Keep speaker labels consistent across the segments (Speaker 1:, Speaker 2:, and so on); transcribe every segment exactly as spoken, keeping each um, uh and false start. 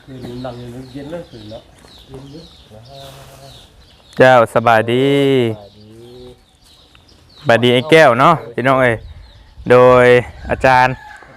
Speaker 1: คือหลังเย็นเลยคือเนาะ
Speaker 2: เจ้าสบายดีสบายดีไอ้แก้วเนาะพี่น้องเอ้ยโดยอาจารย์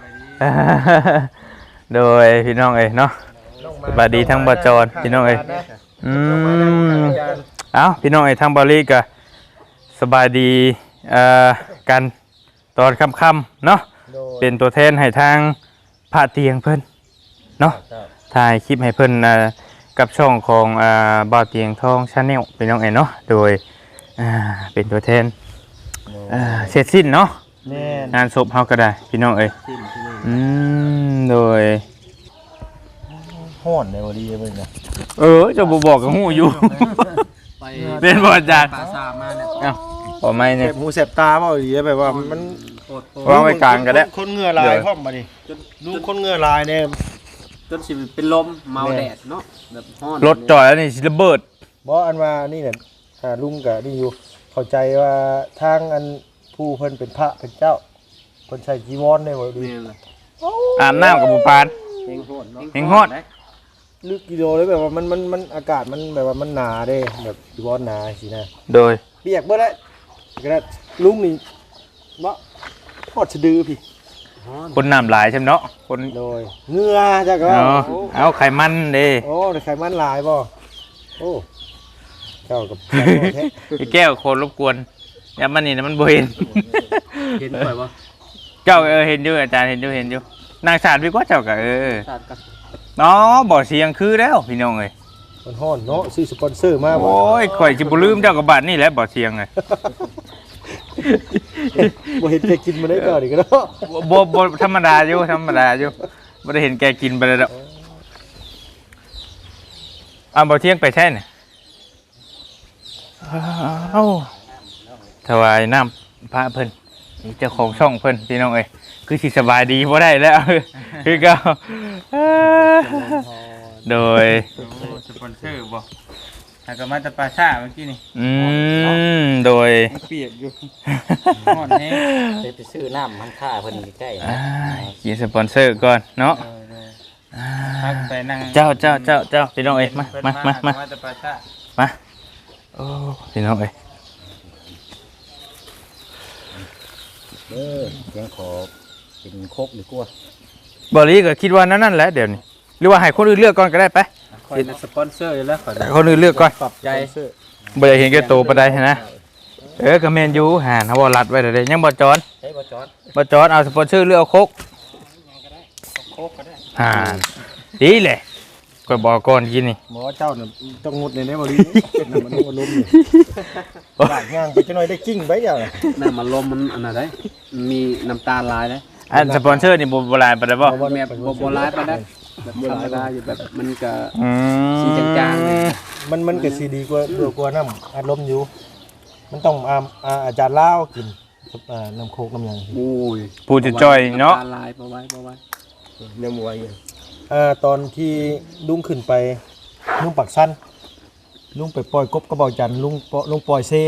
Speaker 2: โดยพี่น้องเอ้ยเนาะสบายดีทั้งบจรพี่น้องเอ้ยอืมเอ้าพี่น้องเอ้ยทั้งบริกะสบายดีเอ่อกันตอนค่ำๆเนาะเป็นตัวแทนให้ทางพระเตียงเพิ่นเนาะถ่ายคลิปให้เพิ่นกับช่องของอ่าบ่าวเตียงทองชาแนลพี่น้องเอ้ยเนาะโดยอ่าเป็นตัวแทนอ่าเสร็จสิ้นเนาะงานศพเฮาก็ได้พี่น้องเอ้ยอืมโดย
Speaker 1: ห้อนในวันนี้เพิ่นน่ะ
Speaker 2: เออเจ้าบ่บอกก็ฮู้อยู่เป็นบ่อาจารย์
Speaker 3: ปลาซามาเนี่ย
Speaker 2: เอ้าบ่ไม่เนี่ย
Speaker 1: เจ็บหูเจ็บตาเปล่าดีแบบว่ามัน
Speaker 2: วางไว้กลางก็ได้
Speaker 1: คนเหงื่อลายพร้อมมาดิดูคนเหงื่อลายเนี่ย
Speaker 3: จนสิเป็นลมเมาแดดเนาะแบบฮ้อน
Speaker 2: รถจอดแล้วนี่สิระเบิด
Speaker 1: บ่อันว่านี่เนี่ยอ่าลุงก็นี่อยู่เข้าใจว่าทางอันผู้เพิ่นเป็นพระเป็นเจ้าเพิ่นใช้จีวรได้บ่ดี
Speaker 3: นี่แหละ
Speaker 2: อาบน้ำกับบ่ปาน
Speaker 3: เฮงโหดเนาะ
Speaker 2: เฮงโหด
Speaker 1: ลึกกิโลเลยแบบว่ามันมันมันอากาศมันแบบว่ามันหนาเด้แบบจีวรหนาสินะ
Speaker 2: โดย
Speaker 1: เปียกบ่ได้ก็ได้ลุงนี่บ่ทอดสะดือพี่
Speaker 3: ฮ้อน
Speaker 2: คนน้ำหลายใช่ไหมเนาะคน
Speaker 1: โดยเหงื่อจักว่า
Speaker 2: เนาะ
Speaker 1: โอ้
Speaker 2: เอาไขมันเด้
Speaker 1: โอ้ได้ไขมันหลายบ่โอ้เจ้ากับแท้
Speaker 2: ไอ้แก้วโคนรบกวนอย่ามันนี่นะมันบ่เห็น
Speaker 3: เห็นป่อยบ่
Speaker 2: เจ้าเออเห็นอยู่อาจารย์เห็นอยู่เห็นอยู่นางสารพี่กว่าเจ้าก็เออ
Speaker 3: สาดกัน
Speaker 2: เนาะบ่เสียงคือแล้วพี่น้องเอ้ย
Speaker 1: มันฮ้อนเนาะซื้อสปอนเซอร์มาบ่
Speaker 2: โอ้ยข่อยสิบ่ลืมเจ้ากับบาดนี่แหละบ่เสียงเลย
Speaker 1: บ่เห็นแกกินมาได้ก่อนอีกเนาะ
Speaker 2: บ่บ่ธรรมดาอยู่ธรรมดาอยู่บ่ได้เห็นแกกินไปแล้วดอกอ้าวบ่เที่ยงไปใช่น่ะเอ้าถวายน้ำพระเพิ่นนี่เจ้าของช่องเพิ่นพี่น้องเอ้ยคือสิสบายดีบ่ได้แล้ว คือเก่าโดยสปอนเซอร์บ่ถ้าก็มาจากปลาซ่าเมื่อกี้นี่อืมโดยเปียกอยู่ฮอดแฮง
Speaker 3: ไปซื้อน้ำมันค่าเพิ่นใกล้
Speaker 2: อ่ากินสปอนเซอร์ก่อนเนาะพักไปนั่งเจ้าเจ้าเจ้าเจ้าพี่น้องเอ้ยมามามามามาโอ้พี่น้องเอ้ย
Speaker 3: เด้อยังขอเป็นโคกหรือกลัว
Speaker 2: บอลลี่ก็คิดว่านั่นนั่นแหละเดี๋ยวนี้หรือว่าให้คนอื่นเลือกก่อนก็ได้ไป
Speaker 3: คอยเป็นสปอนเซอร์อยู่แล้วขอ
Speaker 2: ให้คนอื่นเลือกก่อน
Speaker 3: ปรับใจ
Speaker 2: บ่อยากเห็นแก่โตวปานใดนะเออก็แม่นอยู่หาเฮาบ่รัดไว้เด้อยังบ่จอน
Speaker 3: ใช้บ่จอด
Speaker 2: บ่จอนเอาสปอนเซอร์เลือกเอาโคก
Speaker 3: โคกก็ได้
Speaker 2: ห่าดีเลยก็บอกก่อนกินนี่
Speaker 1: หมอเจ้าน่ะต้องงดในนี้บ่ดีน่ะมันบ่ล้มนี่บาดย่างไปจังหน่อยได้กิ้งไปเดียวน่ะ
Speaker 3: น้ำมันลมมันอันนั้นได้มันมีน้ำตาลลายได้
Speaker 2: อันสปอนเซอร์นี่บ่บ่หลายปานใดบ่
Speaker 3: แม่บ่บ่ลายไปได้แบบธรรมดาอยู่แบบมันก็
Speaker 2: อืม
Speaker 3: สีจางๆเลย
Speaker 1: มันมันก็สิดีกว่าดีกว่าน้ำอัดลมอยู่ มันต้องอาอาอาจารย์ลาวกินอ่าน้ำโคกน้ำหยัง
Speaker 3: โอ้ย
Speaker 2: ผู้จะจ้อยเนาะ
Speaker 3: น้ำตาลลายบ่ไว้บ่ไว้
Speaker 1: เนื้อหมูอะไรอ่าตอนที่ลุงขึ้นไปลุงปักสั้นลุงไปปล่อยกบกระบอกจันทร์ลุงปล่อยลุงปล่อยเซ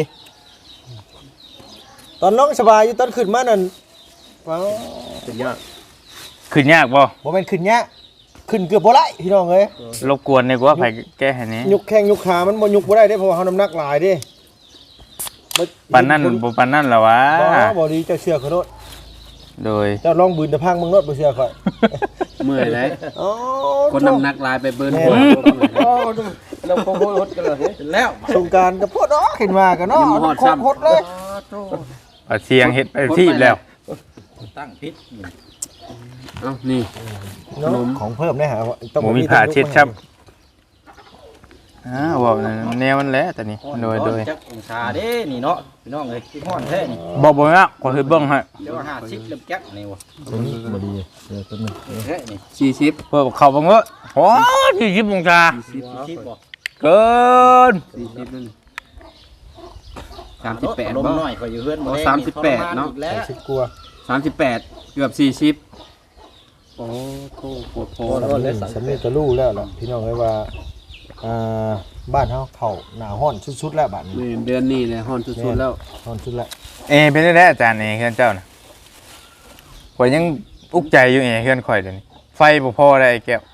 Speaker 1: ตอนน้องสบายอยู่ตอนขึ้นมานั่นว้าวเป็นยาก
Speaker 2: ขึ้นยากบ่
Speaker 1: บ่แม่นขึ้นยากขึ้นเกือบบ่ได้พี่น้องเอ้ย
Speaker 2: รบกวนดีกว่าไผแก้ให้นี้
Speaker 1: ยุกแข้งยุกขามันบ่ยุกบ่ได้เด้เพราะว่าเฮาน้ำหนักหลายเด้บ่
Speaker 2: ปานนั้นบ่ปานนั้นล่ะวะ
Speaker 1: บ่บ่ดีเจ้าเชื่อเขาโนด
Speaker 2: โดย
Speaker 1: เจ้าลองบืนตะพังมึงโนดบ่เชื่อข่อย
Speaker 3: เมื่อยเลย
Speaker 1: อ๋อ
Speaker 3: คนน้ำหนักลายไปเบิร์น
Speaker 1: แม่
Speaker 3: หัว
Speaker 1: อ๋อ
Speaker 3: เราโคโคตกันเลยแล้ว
Speaker 1: สงกรารก็พดอ๋อขึ้นมากันเนาะ
Speaker 3: ยิ้มฮอด
Speaker 1: โคตร
Speaker 3: ซ้ำ
Speaker 1: พดเลย
Speaker 2: เอาเสียงเฮ็ดไปที่แล้ว
Speaker 3: ตั้งพิษเอ้านี่
Speaker 1: เนาะของเพิ่มได้หาต้อง
Speaker 2: หมูมีผ้าเช็ดครับอ้าวว่าแนวมันแหละแต่นี่โดยโดย
Speaker 3: จักองศาเด้นี่เนาะพี่น้องเอ้ยที่ฮ้อนแท้นี่
Speaker 2: บ่บ่นะขอเฮ็ดเบิ่งให้
Speaker 3: เดี๋ยวห้าสิบเริ่มจักนี่วะ
Speaker 1: ตัวนี้บ่ดีเดี๋ยวตัวนึง
Speaker 3: แท้นี่สี่สิบ
Speaker 2: เพิ่นเข้าบ่เงอะโอ้ยี่สิบองศา
Speaker 3: สี่สิบบ่
Speaker 2: เกิน
Speaker 3: สี่สิบนั่นสามสิบแปด
Speaker 4: ลม
Speaker 3: บ่
Speaker 4: หน่อยก็อยู่เฮือน
Speaker 3: โอ้สามสิบแปดเนาะ
Speaker 1: ใส่ชิดกลัว
Speaker 3: สามสิบแปดเกือบสี่สิบโอ้โหปวดโผ
Speaker 1: สำนี่สำนี่ก็รู้แล้วล่ะพี่น้องเอ้ยว่าอ่าบ้านเฮาเข้าหน้าร้อนสุดๆแล้วบัดนี้
Speaker 3: นี่เดือนนี้เลยฮ้อนสุดๆแล้ว
Speaker 1: ร้อนสุดแล้ว
Speaker 2: เอเป็นได้อาจารย์นี่เฮือนเจ้าน่ะข่อยยังอุกใจอยู่เอเฮือนข่อยเดี๋ยวนี้ไฟบ่พอได้ไอ้แก้ว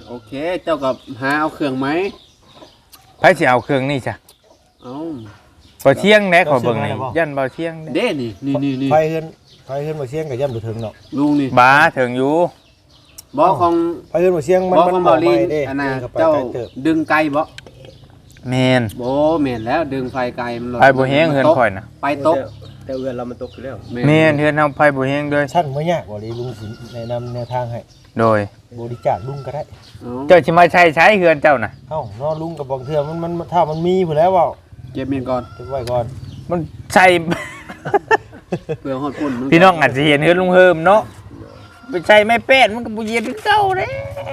Speaker 3: โอเคเจ้ากับหาเอาเครื่องไหม
Speaker 2: ไผสิเอาเครื่องนี่จ้ะ
Speaker 3: เอา
Speaker 2: บ่เที่ยงแน่ขอเบิ่งนี่ยันบ่เที่ยง
Speaker 3: เด้นี่นี่นี่นี่
Speaker 1: ไฟเฮือนไฟเฮือนบ่เสียงก็ย่ำบ่ถึงเนาะ
Speaker 3: ลุงนี่
Speaker 2: บ้าถึงอยู่
Speaker 3: บ่ของ
Speaker 1: ไฟเฮือนบ่เสียงมัน
Speaker 3: บ่
Speaker 1: มัน
Speaker 3: ของ
Speaker 1: บ่
Speaker 3: บอ
Speaker 1: ไห
Speaker 3: ลี
Speaker 1: ม้
Speaker 3: น
Speaker 1: เด้
Speaker 3: อันน่ะ
Speaker 1: เข้าไป
Speaker 3: เจ้า
Speaker 1: ไกลเติบ
Speaker 3: ดึงไกลบ่
Speaker 2: แม่น
Speaker 3: โบ่แม่นแล้วดึงไฟไกลมันหลด
Speaker 2: ไผบ่แฮงเฮือนข่อยน่ะ
Speaker 3: ไปตก
Speaker 4: แต่เอือนเรามันตกอยู่แล้ว
Speaker 2: แม่นเฮือนเฮาไผบ่แฮงเด้อ
Speaker 1: ชั้นบ่ยากบ่ลีลุงสิแนะนำแนวทางให้
Speaker 2: โดย
Speaker 1: บริจาคลุงก็ได้
Speaker 3: เอา
Speaker 2: เจ้าสิมาใช้ใช้เฮือนเจ้าน่ะ
Speaker 1: เอ้าเนาะลุงก็บอกเทื่อมันมันถ้ามันมีพุ่นแล้วเว้า
Speaker 3: เก็บเมียนก่อน
Speaker 1: เก็บไว้ก่อน
Speaker 2: มันใช้
Speaker 3: เพื่อฮอดปุ่นมั
Speaker 2: พี่น้องอาจจะเห็นเฮือนลุงเฮิมเนาะไปใช้ไม้แป้นมันก็บ่เย็นคือเก่าแล้ว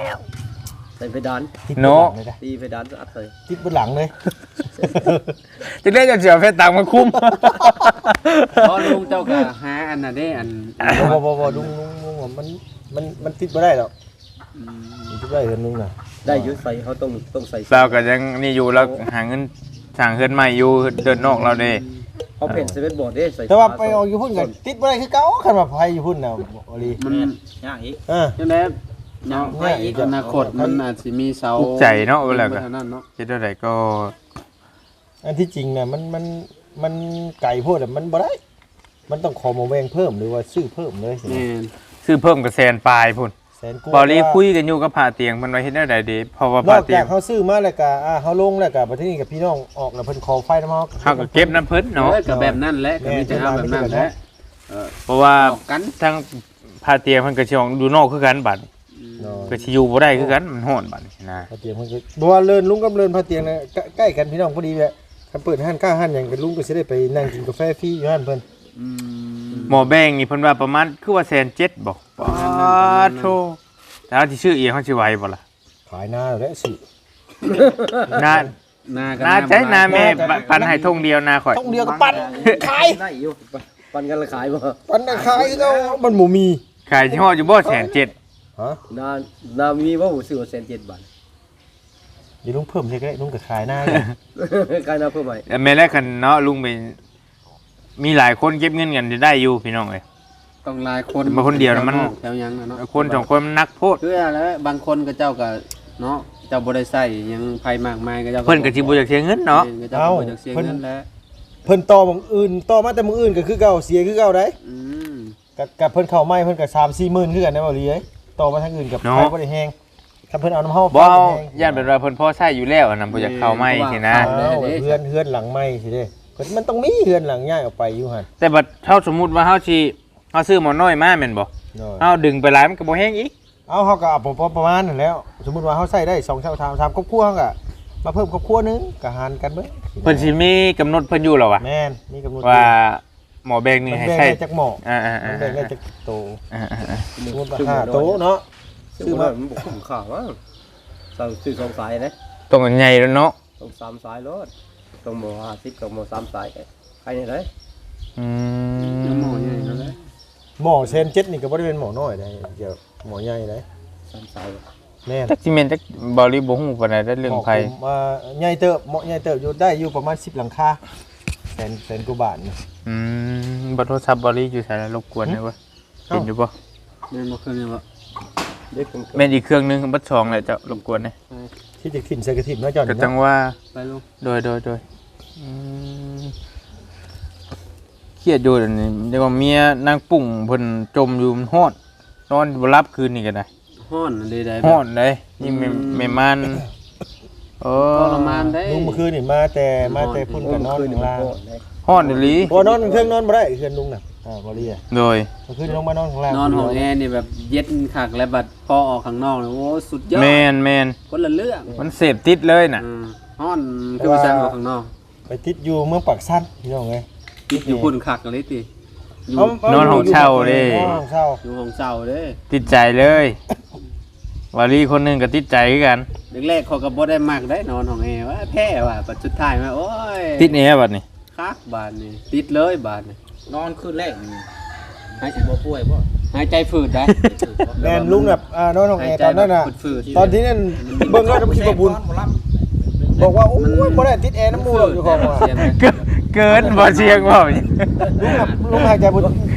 Speaker 4: ใส่เพดาน
Speaker 1: ติด
Speaker 2: เนาะ
Speaker 1: บนหลังเลยได้
Speaker 4: ตีเพดานอัดเลย
Speaker 1: ติดบนหลังเลย
Speaker 2: จะได้จะเสียเพชรตังค์มาคุ้ม
Speaker 3: เพราะลุงเจ้าก็หาอันน่ะเด้อัน
Speaker 1: บ่บ่บ่ลุงลุงลุงว่ามันมันมันติดบ่ได้หรอก
Speaker 3: อืม
Speaker 1: มันติดบ่ได้เฮือนลุงน่ะ
Speaker 4: ได้อยุใส่เขาต้องต้องใส่
Speaker 2: เราก็ยังนี่อยู่แล้วหาเงินสั่งเฮือนใหม่อยู่เดินนอกเราเด้
Speaker 4: เขาเพ่นเซเว่นบอร์ดเด้ใส่
Speaker 1: แต่ว่าไปออกอยู่พุ่นก็ติดบ่ได้คือเก่าคันว่าไผอยู่พุ่นน่ะบ่ลี
Speaker 3: มัน
Speaker 4: ยากอีก
Speaker 1: เออ
Speaker 3: จังได๋เนาะ
Speaker 1: ง่ายอีก
Speaker 3: อนาคตมันอาจสิมีเสา
Speaker 2: อุกใจเนาะเวลาก็
Speaker 3: เท่านั้นเนาะ
Speaker 2: เฮ็ดได้ก็
Speaker 1: อันที่จริงน่ะมันมันมันไก่โพดอะมันบ่ได้ มันต้องขอหมาแวงเพิ่มหรือว่าซื้อเพิ่มเลยสิ
Speaker 3: แม่น
Speaker 2: ซื้อเพิ่มกับแสนปลายพุ่น
Speaker 1: แสนกู
Speaker 2: บอลีคุยกันอยู่กับผาเตียงมันไว้เฮ็ดได้ใดเด้เพราะว่าน ผา
Speaker 1: อก
Speaker 2: เตีย
Speaker 1: จาง กเขาซื้อมาแล้วก็อ่าเขาลงแล้วก็บัดนี้กับพี่น้องออกแล้วเพิ่นขอไฟน้ำเฮา
Speaker 2: เฮาก็เก็บน้ำเพิ่นเนาะ
Speaker 3: เอ้ยก็แบบนั้นแหละก็มีแต่เอาแบบนั้นแหละเออ
Speaker 2: เพราะว่า
Speaker 3: ออกกัน
Speaker 2: ทั้งผาเตียงเพิ่นก็สิออกดูนอกคือกันบัด
Speaker 1: เนาะ
Speaker 2: ก็สิอยู่บ่ได้คือกันมันร้อนบัดนี่นะ
Speaker 1: พาเตียงเพิ่นก็บ่ว่าเลินลุงกับเลินพาเตียงเนี่ยใกล้ใกล้กันพี่น้องพอดีแหละคันเปิดห้านค้าห้านหยังก็ลุงก็สิได้ไปนั่งกินกาแฟฟรีอยู่ห้านเพิ่น
Speaker 3: อืม
Speaker 2: หมอแบงนี่เพิ่นว่าประมาณคือว่าแสนเจ็ดบ่ปาโธแต่ว่าสิชื่อเอียงเขาสิไหวบ่ล่ะ
Speaker 1: ขายหน้าแล้วสิ
Speaker 2: นา
Speaker 3: หน้ากัน
Speaker 2: นาใช้นาแม่ปันให้ทงเดียวนาข่อย
Speaker 1: ต้องเดียวกับปั้นขาย
Speaker 4: ได้อยู่ปันกันละขายบ่
Speaker 1: ปั้นน่ะขายคือเขามันบ่มี
Speaker 2: ขายยี่ห้ออยู่บ่แสนเจ็ด
Speaker 1: ฮะ
Speaker 4: นานามีว่าผมซื้อเซนเจ็ดบาท
Speaker 1: เดี๋ยวลุงเพิ่มให้ก็ได้ลุงก็ขายหน้า
Speaker 4: กายนาเพิ่มใหม่
Speaker 2: แม่แรกคันเนาะลุงไปมีหลายคนเก็บเงินกันจะได้อยู่พี่น้องเอ้ย
Speaker 3: ต้องหลายคน
Speaker 2: มาคนเดียวน่ะมัน
Speaker 3: แถวยังน่ะเนาะ
Speaker 2: คนสองคนมันนักโพด
Speaker 3: คืออะไรบางคนก็เจ้าก็เนาะเจ้าบ่ได้ใส่หยังไผมากมายก็เจ้า
Speaker 2: เพิ่นก็สิบ่อยากเสียเงินเนาะ
Speaker 3: เจ้าก็บ่อยากเสียเงินแล้ว
Speaker 1: เพิ่นต่อหมองอื่นต่อมาแต่หมองอื่นก็คือเก่าเสียคือเก่าได้
Speaker 3: อืม
Speaker 1: กับกับเพิ่นเข้าไม้เพิ่นก็สามสี่หมื่นคือกันนะบ่ลีเอ้ยต่อมาทางอื่นกับไผบ่ได้แฮงถ้าเพิ่นเอาน้ำเฮา
Speaker 2: บ่เอา
Speaker 1: แฮง
Speaker 2: ย่านเป็นว่าเพิ่นพอใช้อยู่แล้วอันนั้นบ่อยากเข้าไม่สินะ
Speaker 1: เอาเฮือนเฮือนหลังไม้สิเด้ก็มันต้องมีเฮือนหลังย้ายออกไปอยู่หั่น
Speaker 2: แต่บัดเฮาสมมุติว่าเฮาสิเฮาซื้อหมอน้อยมาแม่นบ่
Speaker 1: เนาะ
Speaker 2: เฮาดึงไปหลายมันก็บ่แห้งอีก
Speaker 1: เอาเฮาก็เอาพอประมาณนั่นแหล้ว สมมุติว่าเฮาใช้ได้สองชามสามสามครอบครัวเฮาก็มาเพิ่มครอบครัวหนึงก็หารกันเบิด
Speaker 2: เพิ่นสิมีกำหนดเพิ่นอยู่แล้ววะ
Speaker 1: แม่นมีกำหนด
Speaker 2: ว่าหมอแบงนี่
Speaker 1: มัน
Speaker 2: ให้
Speaker 1: แบ่ง
Speaker 2: ใช้
Speaker 1: ได้จักหม้อ
Speaker 2: อ่า
Speaker 1: มันแบ่งได้
Speaker 2: ๆ
Speaker 1: จักโต
Speaker 2: ๆอ่าๆ
Speaker 1: สมมุติว่าห้าโตเนาะ
Speaker 4: ซื้อมามันบอกคุ้มค่าว่าสั่งซื้อสองสายนะ
Speaker 2: ๆต้องใหญ่แล้วเนาะ
Speaker 4: ต้องสามสายรถต้องหมอห้าสิบกับหมอสามสายใครเนี่ยเลย
Speaker 2: อื
Speaker 3: ยัง
Speaker 2: ม
Speaker 3: หมอใหญ่นั่นแหละ
Speaker 1: หม้อเซนเจ็ดนี่ก็บ่ได้เป็นหม้อน้อยได้เดี๋ยวหม้อใหญ่ได้
Speaker 4: สามสาย
Speaker 1: แม่น
Speaker 2: จักสิแม่นจักบ่รีบ่ฮู้ปานใดได้เรื่องไผ
Speaker 1: หม้ผมว่าใหญ่เติบเหมาะใหญ่เติบอยู่ได้อยู่ประมาณสิบหลังคาแสนแสนกว่าบาทนะ
Speaker 2: อืมบ่โทรศัพท์บ่รีอยู่ไสแล้วรบกวนได้บ่เห็นอยู่บ่
Speaker 3: แม่นบ่เคยเนี่ยบ่
Speaker 4: เด็กผม
Speaker 2: แม่นอีกเครื่องหนึงบัดสองแหละเจ้ารบกวนเด้
Speaker 1: ที่จะขึ้นใส่กระถิ่นเนาะจอน
Speaker 2: ก็จัง
Speaker 1: เนาะ
Speaker 2: ว่า
Speaker 3: ไปลูก
Speaker 2: โดยโดยโดยอืมเครียดอยู่เดี๋ยวนี้เดี๋ยวว่าเมียนางปุ่งเพิ่นจมอยู่มันฮ้อนนอนบ่หลับคืนนี้ก็ได้
Speaker 3: ฮ้อนอันใดๆ
Speaker 2: ฮ้อนเลยนี่แม่แม่มันโอ้
Speaker 3: ทรมานได้
Speaker 1: ลุงเมื่อคืนนี่มาแต่มาแต่พุ่นกับนอน
Speaker 4: คืน
Speaker 1: ข้างล่าง
Speaker 2: ฮ้อนอีหลี
Speaker 1: บ่นอนเครื่องนอนบ่ได้เครื่องลุงน่ะอ่าบ่รีอ่ะ
Speaker 2: โดย
Speaker 1: เมื่อคืนลงมานอนข้างล่าง
Speaker 3: นอนห้องแอร์นี่แบบเย็นคักและบัดพอออกข้างนอกนี่โอ้สุดยอด
Speaker 2: แม่นแม่น
Speaker 3: คนละเรื่อง
Speaker 2: มันเสพติดเลยน่ะ
Speaker 3: อืมฮ้อนคือว่าซั่นออกข้างนอก
Speaker 1: ไปติดอยู่เมืองปากซั่นพี่น้องเอ้ย
Speaker 3: ติดอยู่พุ่นคักเลยติอยู่
Speaker 1: เาน
Speaker 2: อนห้องเช่าเด้
Speaker 1: นอนห้องเช่า
Speaker 3: อยู่ห้องเช่าเด้
Speaker 2: ติดใจเลยวารีคนหนึงก็ติดใจคือกัน
Speaker 3: แรกๆเขาก็บ่ได้มักได้นอนห้องแอร์ว่าแพ้ว่ะปัจสุดท้ายมาโอ้ย
Speaker 2: ติดแอร์บัดนี้
Speaker 3: คักบาดนี่ติดเลยบาดนี่
Speaker 4: นอนคืนแรกให้สิบ่ป่วยบ่
Speaker 3: หายใจฝืดได้
Speaker 1: แม่นลุงแบบอ่านอนห้องแอร์ตอนนั้นน่ะ
Speaker 3: ฝืดๆ
Speaker 1: ตอนที่นั่นเบิ่งแล้วคิดว่าบุญบอกว่าโอ้ยบ่ได้ติดแอร์น้ำมูกหรอกอยู่ของว่า
Speaker 3: เสียงไหม
Speaker 2: เกินเกินบ่เชียงบ่
Speaker 1: ลุงแบบลุงหายใจบ่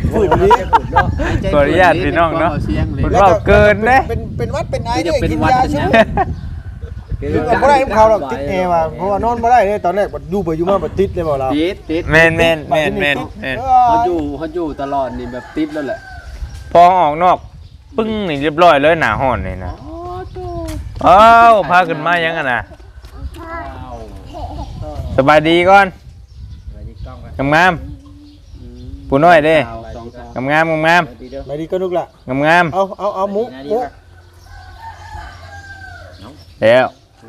Speaker 1: ฝืนนี้
Speaker 2: ขออนุญาตพี่น้องเนาะ
Speaker 3: เสียงเลย
Speaker 2: เพิ่นเว้าเกินเด้
Speaker 1: เป็นเป็นวัดเป็นไอ
Speaker 3: จะ
Speaker 1: เนี่ย
Speaker 3: เป็น
Speaker 1: กิน
Speaker 3: วัด
Speaker 1: ยาชุ่มคือบ่ได้น้ำเขาหรอกติดแอร์ว่ะเพราะว่านอนบ่ได้เลยตอนแรกอยู่ไปอยู่มาบ่ติดเลยบ่เรา
Speaker 3: ติดติด
Speaker 2: แม่นแม่นแม่นแม่นแม่น
Speaker 3: เขาอยู่เขาอยู่ตลอดนี่แบบติดแล้วแหละ
Speaker 2: พอออกนอกปึ้งนี่เรียบร้อยเลยหน้าห้อนนี่นะอ้าวพาขึ้นมายังอ่ะนะสบายดีก่อนงามๆผู้น้อยเด้งามๆงาม
Speaker 1: ไม่ดีก็ลุกละ
Speaker 2: ๆงาม
Speaker 1: เอาเอาเอาหมุหมุ
Speaker 2: ๆแล้ว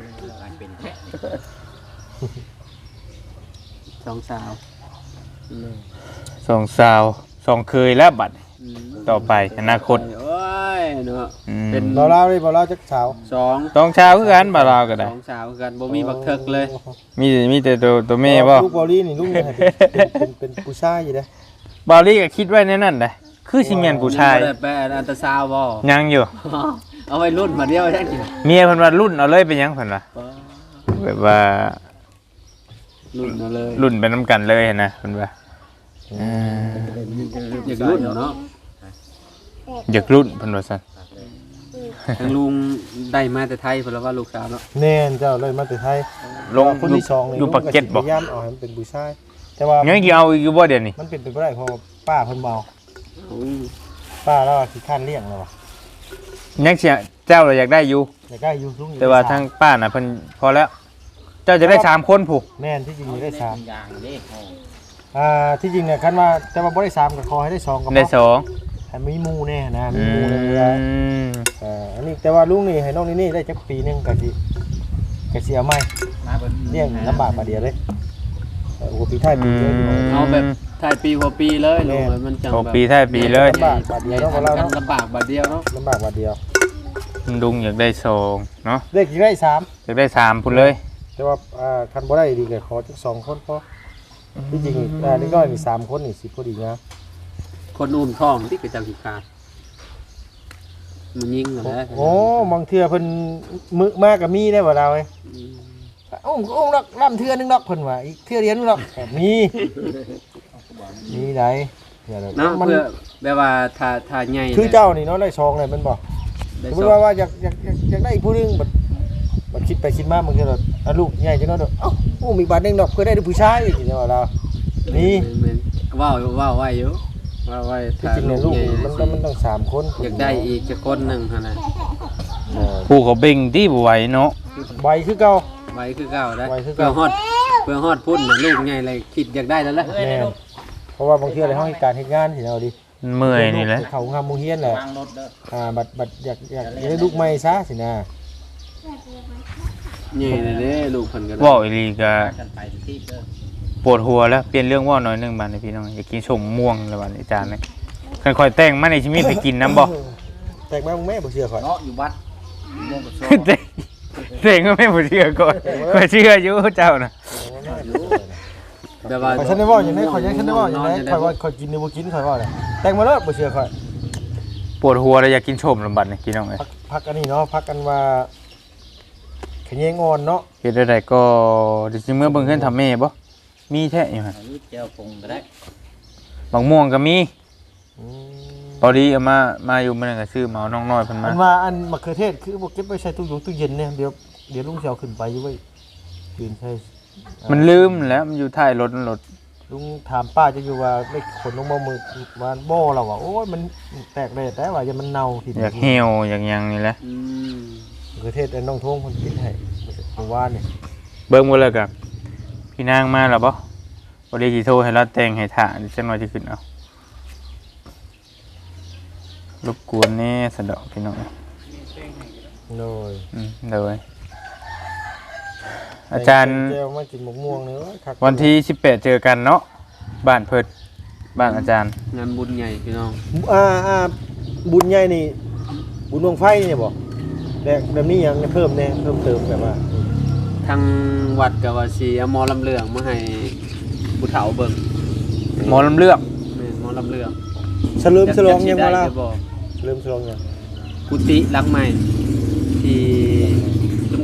Speaker 3: สองสาว
Speaker 2: สองสาวสองเคยแล้วบัดต่อไปอนาคต
Speaker 3: โอ้ยเนาะ
Speaker 2: อืม
Speaker 3: เป็น
Speaker 1: เราเล่าเลยบ่เล่าจักสาว
Speaker 3: สอง
Speaker 2: ต้องชาวคือกันบ่าวเราก็
Speaker 3: ส
Speaker 2: ได้
Speaker 3: องสาวกันบ่มีบักเทิกเลย
Speaker 2: มีมีแต่ตัวตัวแม่บ่
Speaker 1: ลูกบอลลี่นี่ลูกเนี่ยเป็นเป็นเป็นผู้ชายอยู่เด้
Speaker 2: บอลลี่ก็คิดไว้ในนั้นได้คือสิแม่นผู้ชาย
Speaker 3: บ่ได้ไปอันตราซาวด์บ่
Speaker 2: ยังอยู่
Speaker 3: เอาไว้รุ่นมาเดียวจังซี่
Speaker 2: เมียเพิ่นว่ารุ่นเอาเลยเป็นหยังเพิ่นว่าแบบว่า
Speaker 3: รุ่นเอาเลย
Speaker 2: รุ่นเป็นน้ำกันเลยนะเพิ่นว่าอ่า
Speaker 3: อยากรุ่นเนาะ
Speaker 2: อยากรุ่นเพิ่นว่าซั่น
Speaker 3: ทางลุงได้มาแต่ไทยเพิ่นว่าลูกสาวเนาะ
Speaker 1: แน่นเจ้าเลยมาแต่ไทย
Speaker 2: ลง
Speaker 1: คนที่สองนี่
Speaker 2: อยู่ปากเก็ตบ่
Speaker 1: พยายามเอาให้มันเป็นผู้ชายแต่ว่า
Speaker 2: ยังสิเอาอีกอยู่บ่เดี๋ยวนี้
Speaker 1: มันเป็นไปบ่ได้เพราะว่าป้าเพิ่นเมา
Speaker 3: อืม
Speaker 1: ป้าแล้วขี้ข้านเลี้ยงแล้วว่ะ
Speaker 2: ยังสิเจ้าเราอยากได้อยู่
Speaker 1: อยากได้อยู่ลุง
Speaker 2: แต่ว่าทางป้าน่ะเพิ่นพอแล้ว เจ้าจะได้สามคนผู้
Speaker 1: แม่นที่จริงมีได้สามอ่าที่จริงเนี่ยคันว่าแต่ว่าบ่ได้สามก็ขอให้ได้สองก็พ
Speaker 2: ได้ส
Speaker 1: อ
Speaker 2: อง
Speaker 1: ให้มีหมู่แน่นะมี
Speaker 2: อื
Speaker 1: หมู่ในเวลา
Speaker 2: ม
Speaker 1: อ่าอันนี้แต่ว่าลุงนี่ให้น้องนี่นี่ได้จักปีหนึงก็สิก็สิเอาใหม่เลี้ยงลำบากมาเดียวเลยเออโอ้ปีท้ายปีเลย
Speaker 3: เอาแบบถ่ายปีกว่าปีเลยลงเลยมันจัง
Speaker 2: โอ้
Speaker 3: แบบ
Speaker 2: ปีท้ายปีเลย
Speaker 1: ลำบากบาดเดียวเนาะของเรา
Speaker 3: กัน
Speaker 1: เนาะ
Speaker 3: ลำบากบาดเดียวเนาะ
Speaker 1: ลำบากบาดเดียว
Speaker 2: ลุงอยากได้สองเนาะ
Speaker 1: เด็กกี่ได้สาม
Speaker 2: อยากได้สามพุ่นเลย
Speaker 1: แต่ว่าอ่าคันบ่ได้ดีก็ขอจักสองคนพอที่จริงอ่านี่ก็มีสามคนนี่สิพอดีนะ
Speaker 3: คนอุ่นท้องที่กระจังสิขาดมันยิงเหรอนะ
Speaker 1: โอ้บางเทื่อเพิ่นมึกมากก็มีได้บ่ดาวเอ้ยโอ้โอ้ดอกล่ำเทื่อนึงดอกเพิ่นว่าอีกเทื่อเดียวนึงดอกมีมีได้เทื่อเดียว
Speaker 3: เนาะ
Speaker 1: มัน
Speaker 3: เพื่อแบบว่าถ้าถ้าใหญ่
Speaker 1: คือเจ้านี่เนาะได้ซองเลยแมันบ่
Speaker 3: ได้
Speaker 1: สม
Speaker 3: ส
Speaker 1: มุ
Speaker 3: อ
Speaker 1: ติ
Speaker 3: ง
Speaker 1: ว่าว่าอยากอยากอยากอยากได้อีกผู้หนึงบัดบัดคิดไปคิดมาบางเทื่อเราอ่ะลูกใหญ่จังเนาะเด้อเอ้าโอ้มีบาทหนึงดอกเพื่อได้ผู้ชายอีกจังว่าเรานี่
Speaker 3: ว้าวว้าวไว้อยู่ว้าวไว้
Speaker 1: ที่จริงเนี่ยลูกนี่มันมันต้องสามคน
Speaker 3: อยากได้อีกจะคนหนึ่งฮะนะ
Speaker 1: เออ
Speaker 2: ผู้เขาเบ่งที่บ่ไหวเนาะ
Speaker 1: ใบคือเก่า
Speaker 3: ไว้คือเก่าได้
Speaker 1: ไว้คือ
Speaker 3: เพื่อ
Speaker 1: เก่า
Speaker 3: ฮอดเพื่อฮอดพุ่นนะลูกใหญ่เลยคิดอยากได้แล้วแหละ
Speaker 1: แม่นเพราะว่าบางทีอะไรห้องการเฮ็ดงานสิเอาดิ
Speaker 2: มันเมื่อยนี่แหละ
Speaker 1: เขางามมุงเฮียนแหละอ่าบัดบัดอยากอยากอยากได้ลูกใหม่ซะสินะ
Speaker 3: ใหญ่เลยเด้ลูกเพิ่นกัน
Speaker 2: เว่าอีหลีก็ปวดหัวแล้วเปลี่ยนเรื่องเว่าหน่อยหนึงบาดนี้พี่น้องอยากกินชมม่วงแล้วบาดนี้อาจารย์นี่ค่อยๆแต่งมาในชีวิตไปกินน้ำบ่
Speaker 1: แต่งมามึงแม่บ่เชื่อข่อย
Speaker 4: เนาะอยู่วัดม่วงกับโซ่
Speaker 2: แต่งแต่งก็ไม่บ่เชื่อก่อนก็เชื่ออยู่เจ้าน่ะ
Speaker 3: แบบว่า
Speaker 1: ข่อยฉันได้เว้าอย่างนี้ข่อยยังฉันได้เว้าอย่างนี้ข่อยว่าข่อยกินหรือบ่กินข่อยว่าเลยแต่งมาแล้วบ่เชื่อข่อย
Speaker 2: ปวดหัวแล้วอยากกินชมลำบัดนี่พี่น้องเอ้ย
Speaker 1: พักพักอันนี้เนาะพักกันว่าขะแยงอ่อนเนาะ
Speaker 2: เฮ็ดได้ก็ดิสิเมื่อเบิ่งเฮือนทำแม่บ่มีแท้อยู่หั่น
Speaker 4: อันนี้เจ้าคงก็ได้
Speaker 2: บางม่วงก็มี
Speaker 1: อืม
Speaker 2: พอดีเอามามาอยู่มื้อนั้นก็ซื้อมาเอาน้องน้อยเพิ่นมา
Speaker 1: อันว่าอันมะเขือเทศคือบ่เก็บไว้ใส่ตู้ยงตู้เย็นเนี่ยเดี๋ยวเดี๋ยวลุงสิเอาขึ้นไปอยู่ไว้คืนใช่
Speaker 2: มันลืมแล้วมันอยู่ท้ายรถนั่นรถ
Speaker 1: ลุงถามป้าจะอยู่ว่าไม่ขนลงมามือวานบ่เราว่าโอ้ยมันแตกเลยแต่ว่าอย่ามันเน่าที
Speaker 2: อยากเหี่ยวอยากหยังนี่แหละ
Speaker 3: อืม
Speaker 1: มะเขือเทศไอ้น้องทงคนคิดให้เมื่อวานนี่
Speaker 2: เบิ่งบ่แล้วก็พี่นางมาแล้วบ่บ่ได้สิโทรให้เราแต่งให้ท่าดิฉันว่าสิขึ้นเอารบกวนแน่สะดอกพี่น้อง
Speaker 1: โน้ย
Speaker 2: อืมเลยอาจารย์
Speaker 1: แก้วมากินหมกม่วงเนื้อคัก
Speaker 2: วันที่สิบแปดเจอกันเนาะบ้านเพิดบ้านอาจารย์
Speaker 3: งานบุญใหญ่พี่น้อง
Speaker 1: อ่าอ่าบุญใหญ่นี่ บุญดวงไฟนี่บ่แต่แบบนี้ยังเพิ่มแน่เพิ่มเติมแบบว่า
Speaker 3: ทางวัดกับว่าสิเอาหมอลำเลืองมาให้ผู้เฒ่าเบิ่ง
Speaker 2: หมอลำเลือก
Speaker 3: แม่นหมอลำเลือง
Speaker 1: เฉลิมฉลองยังบ่ล่ะ
Speaker 3: จะบอก
Speaker 1: เฉลิมฉลองยัง
Speaker 3: กุฏิหลังใหม่ที่ลุง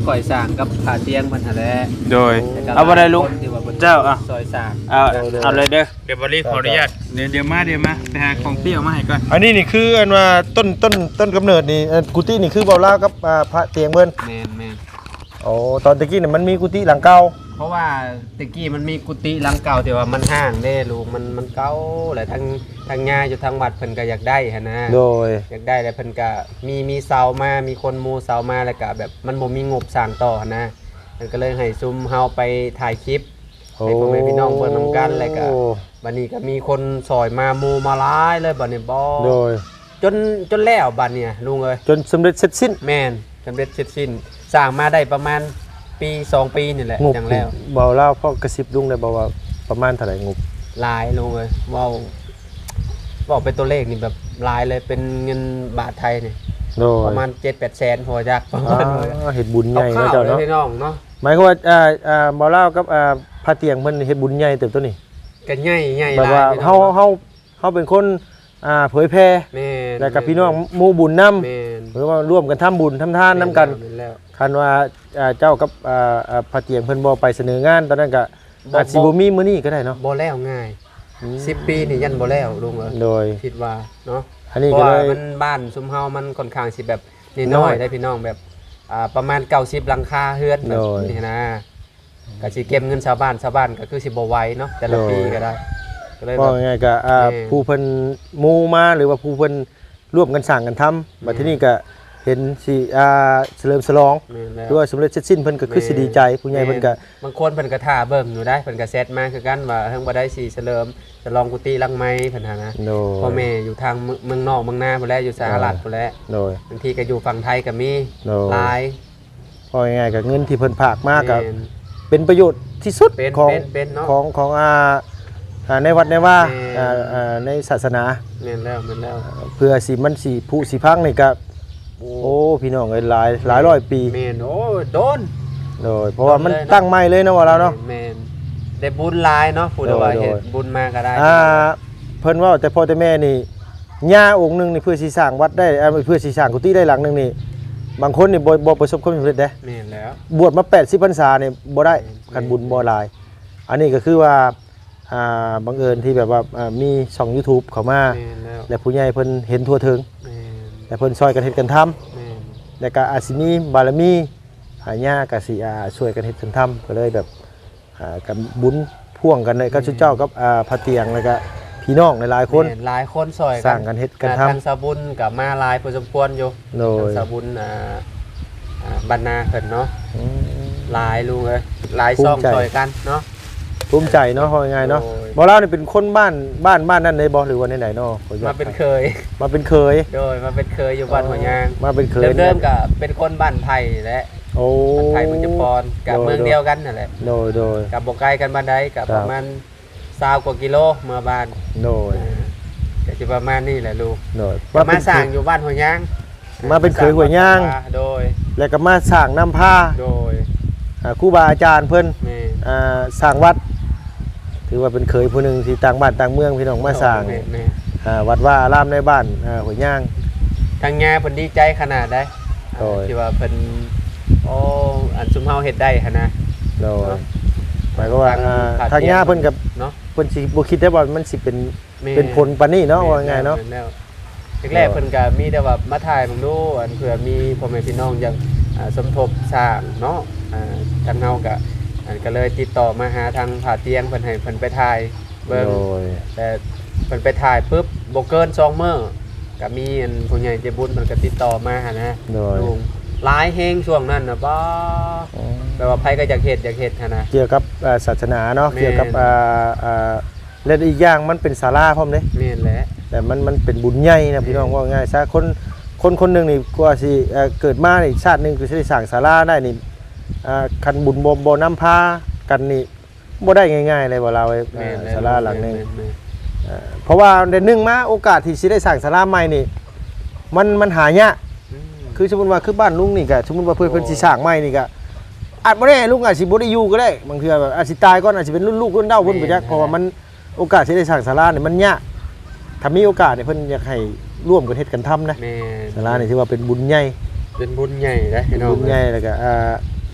Speaker 3: ข่อยสร้างกับผาเตียงเพิ่นหั่นแหละ
Speaker 2: โดย
Speaker 3: แต่ก็
Speaker 2: เอาบ่ได้ลุง
Speaker 3: คนที่ว่าพิ่น
Speaker 2: เจ้าอ่ะ
Speaker 3: ซอยสร้าง
Speaker 2: เอาเอาเลยเด้อเดี๋ยวบริขออนุญาตเดี๋ยวเดี๋ยวมาเดี๋ยวมาไปหาของเปรี้ยวมาให้ก่อน
Speaker 1: อันนี้นี่คืออันว่าต้นต้นต้นกำเนิดนี่เอ่อกุฏินี่คือเบาลาวกับอ่าพระเตียงเพิ่น
Speaker 3: แม่นแม่น
Speaker 1: โอ้ตอนตะกี้เนี่ยมันมีกุฏิหลังเก่า
Speaker 3: เพราะว่าตะกี้มันมีกุฏิหลังเก่าแต่ว่ามันห้างเด้ลูกมันมันเก่าแหละทางทางญาอยู่ทางวัดเพิ่นก็อยากได้หั่นนะ
Speaker 1: โดย
Speaker 3: อยากได้แล้วเพิ่นก็มีมีเสามามีคนมูเสามาแล้วก็แบบมันบ่มีงบสร้างต่อหั่นนะมันก็เลยให้ซุมเฮาไปถ่ายคลิปให้พ่อแม่พี่น้องเบิ่งนํกันแล้วก็บัดนี้ก็มีคนซอยมามูมาหลายเลยบัดนี้บ่
Speaker 1: โดย
Speaker 3: จนจนแล้วบัดเนี่ยลุงเอ้ย
Speaker 1: จนสำเร็จเสร็จสิ้น
Speaker 3: แม่นสำเร็จเสร็จสิ้นสร้างมาได้ประมาณปีสองปีนี่แหละ
Speaker 1: งบ
Speaker 3: จังแล้ว
Speaker 1: เบาลาวพ่อกระซิบลุงได้บอกว่าประมาณเท่าไหร่งบ
Speaker 3: หลายลุงเอ้ยเว้าบอกเป็นตัวเลขนี่แบบหลายเลยเป็นเงินบาทไทยนี่
Speaker 1: โดย
Speaker 3: ประมาณ เจ็ดแปดแสนพอจักประ
Speaker 1: อ่
Speaker 3: มาณนั้น
Speaker 1: าเฮ็ดบุญใหญ่
Speaker 3: ข้า
Speaker 1: เนาะ
Speaker 3: ว
Speaker 1: เจ้า
Speaker 3: ๆเลย
Speaker 1: เนาะ
Speaker 3: พี่น้องเนาะ
Speaker 1: หมายความว่าอ่าอ่าเบาลาวกับอ่าพระเตียงเพิ่นเฮ็ดบุญใหญ่เติบโตนี่
Speaker 3: กันใหญ่ใหญ่
Speaker 1: แบบ
Speaker 3: หลา
Speaker 1: ว่าย
Speaker 3: พี่น้
Speaker 1: เฮา
Speaker 3: อง
Speaker 1: เฮาเฮาเป็นคนอ่าเผยแพร่
Speaker 3: แม่น
Speaker 1: แล้วกับพี่น้องหมู่บุญนำ
Speaker 3: แม่น
Speaker 1: หรือว่าร่วมกันทำบุญทำทานนํกัน
Speaker 3: แม่แล้ว
Speaker 1: คันว่าอ่าเจ้ากับอ่าอ่าพระเตียงเพิ่นบ่ไปเสนองานตอนนั้นก็
Speaker 3: บ่
Speaker 1: อาจสิบ่มีมื้อนี้ก็ได้เนาะ
Speaker 3: บ่แล้วง่ายสิบปีนี่ยันบ่แล้วลุงเอ้ย
Speaker 1: โดย
Speaker 3: คิดว่าเนาะ
Speaker 1: อันนี้
Speaker 3: เพราะ
Speaker 1: ก็
Speaker 3: ว่า
Speaker 1: เลย
Speaker 3: มันบ้านซุมเฮามันค่อนข้างสิแบบนี่
Speaker 1: น้
Speaker 3: น้
Speaker 1: อ
Speaker 3: อย ยได้พี่น้องแบบอ่าประมาณเก้าสิบหลังคาเฮือนแบบ
Speaker 1: โดย
Speaker 3: นี่นะก็สิเก็บเงินชาวบ้านชาวบ้านก็คือสิบ่ไหวเนาะแต่ละ
Speaker 1: โดย
Speaker 3: ปีก็ได้ก็เลย
Speaker 1: ก็
Speaker 3: แบบ
Speaker 1: ง่ายๆก็อ่า
Speaker 3: แม่
Speaker 1: ผู้เพิ่นหมู่มาหรือว่าผู้เพิ่นร่วมกันสร้างกันทำบัดทีนี้ก็เห็นสิอ่าเฉลิมฉลอง
Speaker 3: แม่นแล้ว
Speaker 1: หรือว่าสำเร็จเสร็จสิ้นเพิ่นก็คือสิดีใจผู้ใหญ่เพิ่นก็
Speaker 3: บางคนเพิ่นก็ท่าเบิ่งอยู่ได้เพิ่นก็เซตมาคือกันว่าเฮิงบ่ได้สิเฉลิมฉลองกุฏิหลังไม้เพิ่นหานะ
Speaker 1: โดย
Speaker 3: พ่อแม่อยู่ทางเมืองเมืองนอกเมืองนาพุ่นแหละอยู่สหรัฐพุ่นแหละ
Speaker 1: โดย
Speaker 3: บางทีก็อยู่ฝั่งไทยก็มี
Speaker 1: โดย
Speaker 3: หลาย
Speaker 1: พอง่ายๆก็เงินที่เพิ่นฝากมาก็
Speaker 3: แม่น
Speaker 1: เป็นประโยชน์ที่สุด
Speaker 3: เป็น
Speaker 1: ของ
Speaker 3: เป็นเป็นเนาะ
Speaker 1: ของของอ่าอ่าในวัดในว่า
Speaker 3: แม่
Speaker 1: อ่าอ่าในศาสนา
Speaker 3: แม่นแล้วแม่นแล้ว
Speaker 1: เพื่อสิมันสิผู้สิพังนี่ก็โอ้พี่น้องเอ้ยหลายหลายร้อยปี
Speaker 3: แม่นโอ้ยโดน
Speaker 1: โดยเพราะว่ามัน
Speaker 3: โดนเลยเนาะ
Speaker 1: ตั้งใหม่เลยเนาะว่าเราเนาะ
Speaker 3: แม่นได้บุญหลายเนาะผู้ใดว่า
Speaker 1: โดย
Speaker 3: เฮ็ด
Speaker 1: โดย
Speaker 3: บุญมาก็ได้
Speaker 1: อ่าเพิ่นว่าแต่พ่อแต่แม่นี่ย่าองค์หนึงนี่เพื่อสิสร้างวัดได้อ่าเพื่อสิสร้างกุฏิได้หลังหนึงนี่บางคนนี่บ่บ่ประสบความสำเร็จเด้
Speaker 3: แม่นแล้ว
Speaker 1: บวชมาแปดสิบพรรษานี่บ่ได้คันบุญบ่หลาย อันนี้ก็คือว่าอ่าบังเอิญที่แบบว่าอ่ามีช่อง YouTube เข้ามา
Speaker 3: แม่นแล้ว
Speaker 1: และผู้ใหญ่เพิ่นเห็นทั่วถึง
Speaker 3: แม่น
Speaker 1: และเพิ่นช่วยกันเฮ็ดกันทำ
Speaker 3: แม่น
Speaker 1: แล้วก็อาจสิมีบารมีหายาก็สิอ่าช่วยกันเฮ็ดกันทำก็เลยแบบอ่ากับบุญพ่วงกันเลยก็ชุดเจ้ากับอ่าพระเตียงแล้วก็พี่น้องหลายๆคน
Speaker 3: แม่หลายคนซอย
Speaker 1: สร้างกันเฮ็ดกันทำ
Speaker 3: ทางสาบุญกับมาหลายพอสมควรอยู่
Speaker 1: โดย
Speaker 3: ทางสาบุญอ่าอ่าบรรณาเพิ่นเนาะ
Speaker 1: อืม
Speaker 3: หลายลุงเอ้ยหลาย
Speaker 1: ภูมิ
Speaker 3: ซ่อง
Speaker 1: ใจ
Speaker 3: ซอยกันเนาะ
Speaker 1: ภูมิใจเนาะว่าง่ายๆเนาะ
Speaker 3: โอ้ย
Speaker 1: บ่เล่านี่เป็นคนบ้านบ้านบ้านนั้นเลยบ่หรือว่าไหนๆเนาะขออญต
Speaker 3: มาเป็นเคย
Speaker 1: มาเป็นเคย
Speaker 3: โดยมาเป็นเคยอยู่บ้านหัวยาง
Speaker 1: มาเป็นเคย
Speaker 3: เดิมๆกับเป็นคนบ้านไผ่แหละ
Speaker 1: โอ้
Speaker 3: บ้านไผ่เมืองจุพรกับ
Speaker 1: โดย
Speaker 3: เมืองเดียวกันนั่นแหละ
Speaker 1: โดยโดย
Speaker 3: กับบ่ไกลกันบ้านใดกับ
Speaker 1: ครับ
Speaker 3: ประมาณสามกว่ากิโลเมื่อบ้าน
Speaker 1: โดย
Speaker 3: อ่าก็สิประมาณนี้แหละลูก
Speaker 1: โดย
Speaker 3: ก็มา
Speaker 1: เป็น
Speaker 3: สร้างอยู่บ้านหัวยาง
Speaker 1: มาเป็นเคยหัวยาง
Speaker 3: โดย
Speaker 1: แล้วก็มาสร้างน้ำผ้า
Speaker 3: โดย
Speaker 1: อ่าครูบาอาจารย์เพิ่น
Speaker 3: แม่
Speaker 1: อ่าสร้างวัด ถือว่าเป็นเคยผู้หนึ่งที่ต่างบ้านต่างเมืองพี่น้องมาสร้าง
Speaker 3: แม่แม่
Speaker 1: อ่าวัดว่าอารามในบ้านอ่าหัวย่าง
Speaker 3: ทางงาเพิ่นดีใจขนาดใด
Speaker 1: โดย
Speaker 3: ที่ว่าเพิ่นโอ้อันซุมเฮาเฮ็ดได้หั่นนะ
Speaker 1: โดยหมายก็ว่า
Speaker 3: ทาง
Speaker 1: อ่า
Speaker 3: ผา
Speaker 1: ทาง
Speaker 3: เตียง
Speaker 1: ย่าเพิ่นกับ
Speaker 3: เนาะ
Speaker 1: เพิ่นสิบ่คิดได้ว่ามันสิเป็น
Speaker 3: แม่
Speaker 1: เป็นผลปานนี้เนาะว่าง่ายๆเนาะ
Speaker 3: แม่แล้วแรกๆเพิ่นก็มีแต่ว่ามาถ่ายมึงดูอันเผื่อมีพ่อแม่พี่น้องอยากอ่าสมทบสร้างเนาะอ่าทางเฮาก็อันก็เลยติดต่อมาหาทางผาเตียงเพิ่นให้เพิ่นไปถ่ายเบิ่ง
Speaker 1: โดย
Speaker 3: แต่เพิ่นไปถ่ายปุ๊บบ่เกินสองมื้อก็มีอันผู้ใหญ่ใจบุญเพิ่นก็ติดต่อมาหั่นนะ
Speaker 1: โดย
Speaker 3: ลุงหลายแฮงช่วงนั้นน่ะบ่แปลว่าไผก็อยากเฮ็ดอยากเฮ็ดหั่นนะ
Speaker 1: เกี่ยวกับอ่าศาสนาเนาะ
Speaker 3: แม่น
Speaker 1: เกี่ยวกับอ่าอ่าและอีกอย่างมันเป็นศาลาพร้อมเด้
Speaker 3: แม่นแหละ
Speaker 1: แต่มันมันเป็นบุญใหญ่นะพี่น้องว่าง่ายซะคนคนคนหนึงนี่กว่าสิเอ่อเกิดมาอีกชาติหนึงคือสิได้สร้างศาลาได้นี่อ่าคันบุญบ่บ่นำพากันนี่บ่ได้ง่ายๆเลยบ่เราไอ้
Speaker 3: แม่นแว
Speaker 1: ศาลาหลังหนึง
Speaker 3: แม่แม่
Speaker 1: เอ่อเพราะว่าเดือนหนึงมาโอกาสที่สิได้สร้างศาลาใหม่นี่มันมันหายาก
Speaker 3: อืม
Speaker 1: คือสมมุติว่าคือบ้านลุงนี่ก็สมมุติว่าเพิ่นเพิ่นสิสร้างใหม่นี่ก็อาจบ่ได้ลุงอาจสิบ่ได้อยู่ก็ได้บางเทื่อแบบอาจสิตายก่อนอาจสิเป็นรุ่นลูกรุ่นเต้าเพิ่นบ่จักเพราะว่ามันโอกาสสิได้สร้างศาลานี่มันยากถ้ามีโอกาสเนี่ยเพิ่นอยากให้ร่วมกันเฮ็ดกันทำนะ
Speaker 3: แม่
Speaker 1: ศาลานี่ถือว่าเป็นบุญใหญ่
Speaker 3: เป็นบุญใหญ่นะพี่น้อง
Speaker 1: บุญใหญ่แล้วก็อ่า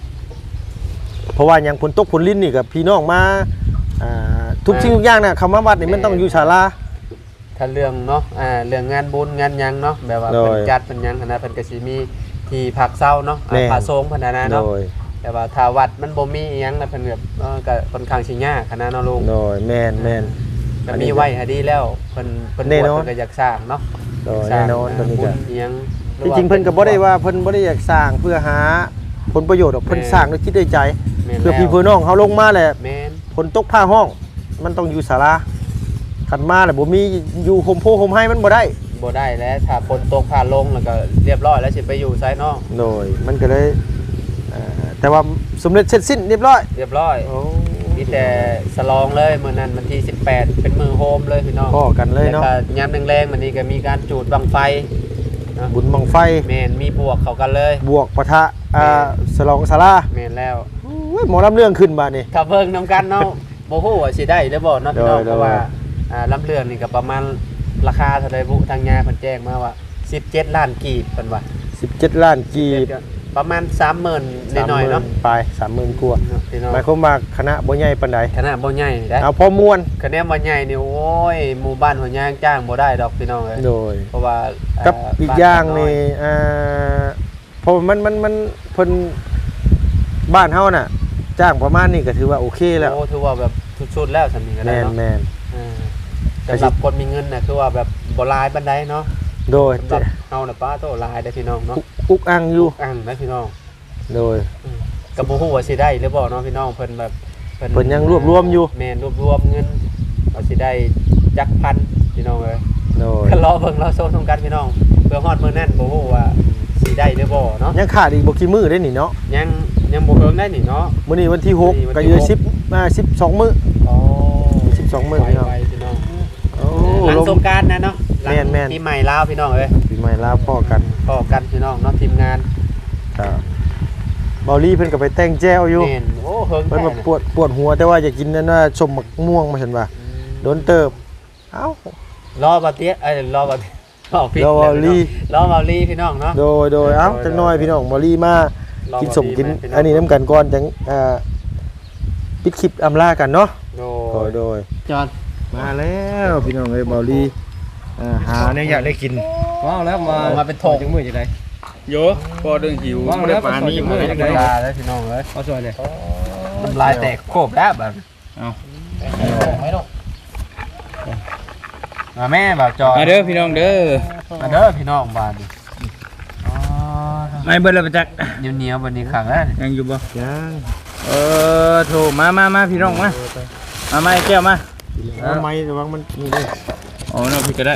Speaker 1: เพราะว่าอย่างฝนตกฝนลิ้นนี่กับพี่น้องมาอ่าทุกสิ่งทุกอย่างน่ะคำว่าวัดนี่มันต้องอยู่ศาลา
Speaker 3: ถ้าเรื่องเนาะอ่าเรื่องงานบุญงานหยังเนาะแบบว่า
Speaker 1: โดย
Speaker 3: เพิ่นจัดเพิ่นหยังคณะเพิ่นก็สิมีที่พักเช้าเนาะอ่า
Speaker 1: แม่น
Speaker 3: พระสงฆ์เพิ่นน่ะนะ
Speaker 1: โด
Speaker 3: เนาะ
Speaker 1: ย
Speaker 3: แต่ว่าถ้าวัดมันบ่มีอีหยังนะเพิ่นแบบเออก็ค่อนข้างสิยากคณะเนาะลุง
Speaker 1: โดยแม่นแม่น
Speaker 3: ก็มีไว้ให้ดีแล้วเพิ่นเพิ่น
Speaker 1: แน่
Speaker 3: บวช
Speaker 1: นอน
Speaker 3: เพิ่นก็อยากสร้างเนาะ
Speaker 1: โดยแน่นอน
Speaker 3: ส
Speaker 1: ตอน
Speaker 3: ร้าง
Speaker 1: นี้
Speaker 3: บุ
Speaker 1: ก็
Speaker 3: ญอีหยังหอ
Speaker 1: ที่
Speaker 3: ว่า
Speaker 1: จริงเพิ่นก็บ่ได้ว่าเพิ่นบ่ได้อยากสร้างเพื่อหาผลประโยชน์หรอกเพิ่นสร้างด้วยคิดด้วยใจ
Speaker 3: แม่น
Speaker 1: เพื่อพี่
Speaker 3: แล้ว
Speaker 1: เพื่อน้องเขาลงมาแหละ
Speaker 3: แม่น
Speaker 1: ฝนตกผ้าห้อง มันต้องอยู่ศาลาขันมาแหละบ่มีอยู่โฮมโพโฮมให้มันบ่ได้
Speaker 3: บ่ได้แล้วถ้าฝนตกผ่านลงแล้วก็เรียบร้อยแล้วสิไปอยู่ไสเนาะ
Speaker 1: โดยมันก็เลยเอ่อแต่ว่าสำเร็จเสร็จสิ้นเรียบร้อย
Speaker 3: เรียบร้อยมีแต่สลองเลยมื้อนั้นวันที่สิบแปดเป็นมือโฮมเลยพี่น้อง
Speaker 1: พ่อกันเลยเนาะ
Speaker 3: แล้วก็ยามแรงๆมันนี้ก็มีการจูดบังไฟเนาะ
Speaker 1: บุญบังไฟ
Speaker 3: แม่นมีบวกเข้ากันเลย
Speaker 1: บวกปะทะอ่าสลองศาลา
Speaker 3: แม่นแล้ว
Speaker 1: โอ้ยหมอลำเรื่องขึ้นบาดนี้
Speaker 3: ถ้าเบิ่งนํกันเนาะ บ่ฮู้ว่าสิได้หรือบ่เนาะพี่น้อง
Speaker 1: โดย
Speaker 3: เพราะว่าอ่าลำเรื่องนี่ก็ประมาณราคาเท่าใดบุทางญาเพิ่นแจ้งมาว่าสิบเจ็ดล้านกีบเพิ่นว่า
Speaker 1: สิบเจ็ดล้านกีบ
Speaker 3: ประมาณสามหมื่นน้อยๆเนาะ
Speaker 1: ไปสามหมื่นกว่า
Speaker 3: พี่น้อง
Speaker 1: หมายความว่าคณะบ่ใหญ่ปานใด
Speaker 3: ขนาดบ่ใหญ่ได้
Speaker 1: เอาพอม่วน
Speaker 3: คะแนนบ่ใหญ่นี่โอ้ยหมู่บ้านหัวยางจ้างบ่ได้ดอกพี่น้องเอ้ย
Speaker 1: โดย
Speaker 3: เพราะว่า
Speaker 1: กับ
Speaker 3: เ
Speaker 1: อีกอย่างนี่อ่าเพราะมันมันมันเพิ่นบ้านเฮาน่ะ จ้างประมาณนี้ก็ถือว่าโอเคแล้ว
Speaker 3: โอ้ถือว่าแบบสุดๆแล้วสำนี้ก็
Speaker 1: แม
Speaker 3: ได้
Speaker 1: น
Speaker 3: เนาะ
Speaker 1: แมน
Speaker 3: อ่าสำหรับคนมีเงินน่ะคือว่าแบบบ่หลายปานใดเนาะ
Speaker 1: โดย
Speaker 3: สำหรับเฮาน่ะป้าโตหลายได้อพี่น้องเนาะ
Speaker 1: อุกอังอยู่
Speaker 3: อ่างนะพี่น้อง
Speaker 1: โดย
Speaker 3: ก็บ่ฮู้ว่าสิได้หรือบ่เนาะพี่น้องเพิ่นแบบ
Speaker 1: เพิ่นยังรวบรวมอยู่
Speaker 3: แม่นรวบรวมเงินว่าสิได้จักพันพี่น้องเอ้ย
Speaker 1: โดย
Speaker 3: ก็รอเบิ่งรอโซนตรงกันพี่น้องเพื่อฮอดมื้อนั้นบ่ฮู้ว่าสิได้หรือบ่เนาะ
Speaker 1: ยังขาดอีกบ่กี่มื้อได้นี่เนาะ
Speaker 3: ยังยังบ่เฮิงได้นี่เนาะ
Speaker 1: มื้อนี้วันที่หก
Speaker 3: มื้อนี้วันที่
Speaker 1: ก็อยู่
Speaker 3: หก
Speaker 1: สิบอ่าสิบสองมื้อ
Speaker 3: อ๋อ
Speaker 1: สิบสองมื้อพี่น้อง
Speaker 3: ไปพี่น้อง
Speaker 1: โอ้
Speaker 3: หลัง
Speaker 1: ลม
Speaker 3: สงกรานต์นะเนาะหลัง
Speaker 1: แม่นแม่น
Speaker 3: ปีใหม่ลาวพี่น้องเอ้ย
Speaker 1: ปีใหม่ลาวพ่อกัน
Speaker 3: พอกันพี่น้องเนาะทีมงาน
Speaker 1: ครับเบาลี่เพิ่นก็ไปแต่งแจ้วอยู่
Speaker 3: แม่นโอ้เฮิง
Speaker 1: เพิ่น
Speaker 3: แท้
Speaker 1: ว่าปวดปวดหัวแต่ว่าอยากกินนั่นว่าชมมะม่วงมาเห็นว่าโดนเติบเอ้าร
Speaker 3: อบ่เตี้ยเอ้ยรอบ่รอพี่
Speaker 1: รอเบาลี่
Speaker 3: รอเบาลี่พี่น้องเนาะ
Speaker 1: โดยโดยเอ้าจังน้อยพี่น้องเบาลี่มา
Speaker 3: รอ
Speaker 1: กิน
Speaker 3: เบา
Speaker 1: สม
Speaker 3: ลี่
Speaker 1: กิน
Speaker 3: มาพี่น้อง
Speaker 1: อันนี้น้ำกันก่อนจังอ่าปิดคลิปอำลากันเนาะ
Speaker 3: โด
Speaker 1: โดย
Speaker 3: ย
Speaker 1: โดย
Speaker 3: จอน
Speaker 1: มาแล้วพี่น้องเอ้ยเบาลี่อ่าหาเนี่ยอยากได้กิน
Speaker 4: ว้าวแล้วมา
Speaker 3: มาเป็นโถง
Speaker 4: จังมือจังได๋
Speaker 2: โยพอเรื่องหิว
Speaker 4: ว่าง
Speaker 2: บ่
Speaker 4: แล้
Speaker 2: ได้
Speaker 4: ว
Speaker 2: ปานนี้
Speaker 4: ขอ
Speaker 2: มื้อ
Speaker 4: จั
Speaker 2: จั
Speaker 4: ง
Speaker 2: ง
Speaker 4: ได๋
Speaker 2: ได๋
Speaker 3: ลาแล้วพี่น้องเอ้ย
Speaker 4: เอาสวยเลย
Speaker 3: น้ำลายแตกโคบแล้วแบบ
Speaker 2: เอา
Speaker 3: ไม่ต้องมาแม่บ่าวจอย
Speaker 2: มาเด้อพี่น้องเด้อ
Speaker 3: มาเด้อพี่น้องบ้านดิอ๋อ
Speaker 2: ไม่เบิ่แล้วประจักษ์
Speaker 3: เหนียวๆบันนี้ขังแล้วนี่
Speaker 2: ยังอยู่บ่
Speaker 1: ยัง
Speaker 2: เออโทรมามามาพี่น้องมามามาไอ้แก้วมา
Speaker 1: ทำไมระวังมันนี่ด้วย
Speaker 2: อ๋อเนาะพี่ก็ได้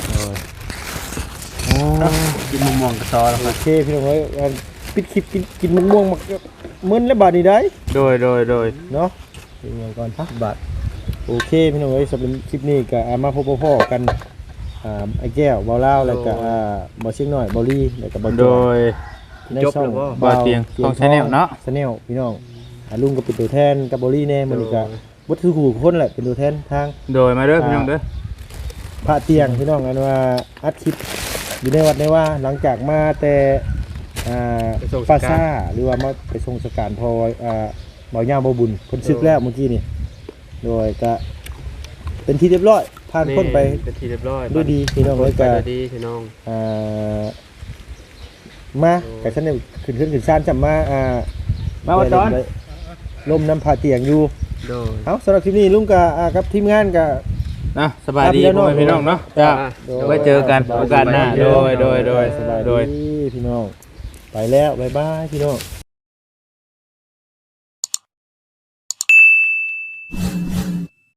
Speaker 1: โอ้
Speaker 3: กินมะม่วงกระซอแล้ว
Speaker 1: โอเคพี่น้องเอ้ยอ่าปิดคลิปกินกินมะม่วงมักมึนแล้วบาดนี้ได้
Speaker 2: โดยโดยโดย
Speaker 1: เนาะเป็นไงก่อนพักบาทโอเคพี่น้องเอ้ยสำหรับคลิปนี้ก็อ่ามาพบพ่อๆกันอ่าไอ้แก้วเบาเล่าวแล้วก็อ่าเบาเชียงน้อยเบาลี่แล้วก็เบา
Speaker 2: โดย
Speaker 1: ในช่อง
Speaker 2: บ่เตียงช่อง Channel เนาะ
Speaker 1: ชาแนลพี่น้องอ่าลุงก็เป็นตัวแทนกับเบาลี่แน่มันนี่ก็วัตถุคู่คนแหละเป็นตัวแทนทาง
Speaker 2: โดยมาเด้อพี่น้องเด้อ
Speaker 1: พระเตียงพี่น้องอันว่าอัดคลิปอยู่ในวัดในว่าหลังจากมาแต่อ่าปาซ่าหรือว่ามาไปทรงสการพออ่าเบาย่าเบาบุญเพิ่นซึกแล้วเมื่อกี้นี่โดยก็เป็นที่เรียบร้อยผ่านพ้นไป
Speaker 3: เป็นที่เรียบร้อย
Speaker 1: ด้วยดีพี่น้อง
Speaker 3: ไป
Speaker 1: เลยก็
Speaker 3: ด้วยดีพี่น้อง
Speaker 1: อ่ามากับฉันเนี่ยขึ้นขึ้นขึ้นซ่านจำมาอ่า
Speaker 2: มาว่าตอน
Speaker 1: ได้ลมน้ำผาเตียงอยู่
Speaker 3: โดย
Speaker 1: เอาสำหรับคลิปนี้ลุงกับอ่ากับทีมงานกับ
Speaker 2: นะสบายดีพ่อแม่พี่น้องเนาะจ้าไว้เจอกันโอกาสหน้าโดยโดยโดย
Speaker 1: สบาย
Speaker 2: โดย
Speaker 1: ดีพี่น้องไปแล้วบ๊ายบายพี่น้อง